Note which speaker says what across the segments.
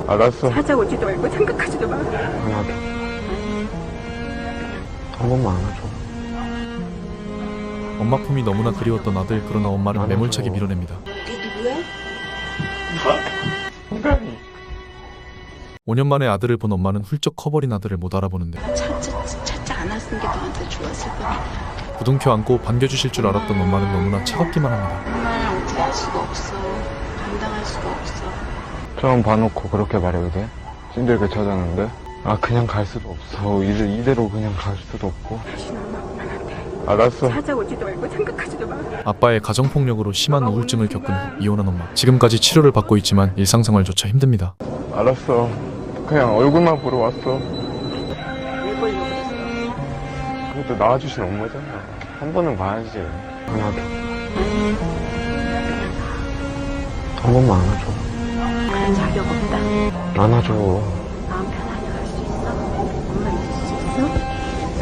Speaker 1: 알았어.
Speaker 2: 찾아오지도 말고 생각하지도 마.
Speaker 1: 하나도. 한 번만 안아줘.
Speaker 3: 엄마 품이 너무나 그리웠던 아들. 그러나 엄마는
Speaker 1: 안아줘.
Speaker 3: 매몰차게 밀어냅니다.
Speaker 2: 이게 누구야?
Speaker 3: 5년 만에 아들을 본 엄마는 훌쩍 커버린 아들을 못 알아보는데
Speaker 2: 찾지 않았은 게 너한테 좋았을 거야.
Speaker 3: 부둥켜 안고 반겨주실 줄 알았던 엄마는 너무나 차갑기만 합니다.
Speaker 2: 엄마랑 어떻게 할 수가 없어. 감당할 수가 없어.
Speaker 1: 처음 봐놓고 그렇게 말해도 돼? 힘들게 찾았는데? 아, 그냥 갈 수도 없어. 이대로 그냥 갈 수도 없고.
Speaker 2: 다시는 엄마만 안 돼.
Speaker 1: 알았어.
Speaker 2: 찾아오지도 말고 생각하지도 마.
Speaker 3: 아빠의 가정폭력으로 심한 우울증을 겪은 후 이혼한 엄마. 지금까지 치료를 받고 있지만 일상생활조차 힘듭니다.
Speaker 1: 알았어. 그냥 얼굴만 보러 왔어.
Speaker 2: 왜 보려고 그랬어?
Speaker 1: 그것도 나와주신 엄마잖아. 한 번은 봐야지. 하나도. 한 번만 안아줘.
Speaker 2: 그런 자격 없다.
Speaker 1: 안아줘.
Speaker 2: 마음 편하게 갈 수 있어? 엄마 있을 수 있어?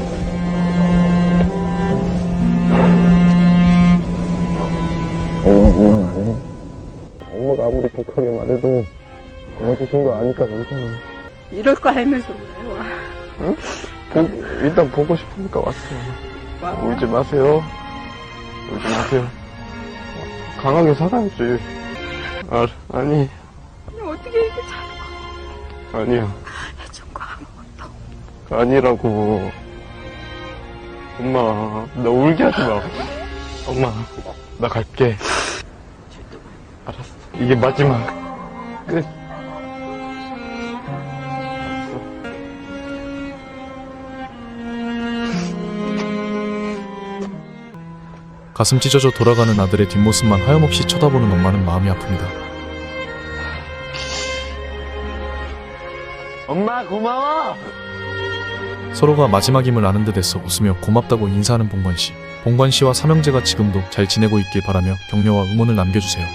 Speaker 1: 이건 아니. 엄마가 아무리 독하게 말해도 도와주신 거 아니까 괜찮아.
Speaker 2: 이럴 거 알면서 왜 와?
Speaker 1: 응? 일단 보고 싶으니까 왔어.
Speaker 2: 와.
Speaker 1: 울지 마세요. 울지 마세요. 강하게 살아야지. 아니.
Speaker 2: 어떻게 이렇게 잘
Speaker 1: 아니야.
Speaker 2: 해준 거 아무것도.
Speaker 1: 아니라고. 엄마, 나 울게 하지 마. 엄마, 나 갈게. 알았어. 이게 마지막. 끝.
Speaker 3: 가슴 찢어져 돌아가는 아들의 뒷모습만 하염없이 쳐다보는 엄마는 마음이 아픕니다.
Speaker 1: 엄마, 고마워!
Speaker 3: 서로가 마지막임을 아는 듯 애써 웃으며 고맙다고 인사하는 봉관씨. 봉관씨와 삼형제가 지금도 잘 지내고 있길 바라며 격려와 응원을 남겨주세요.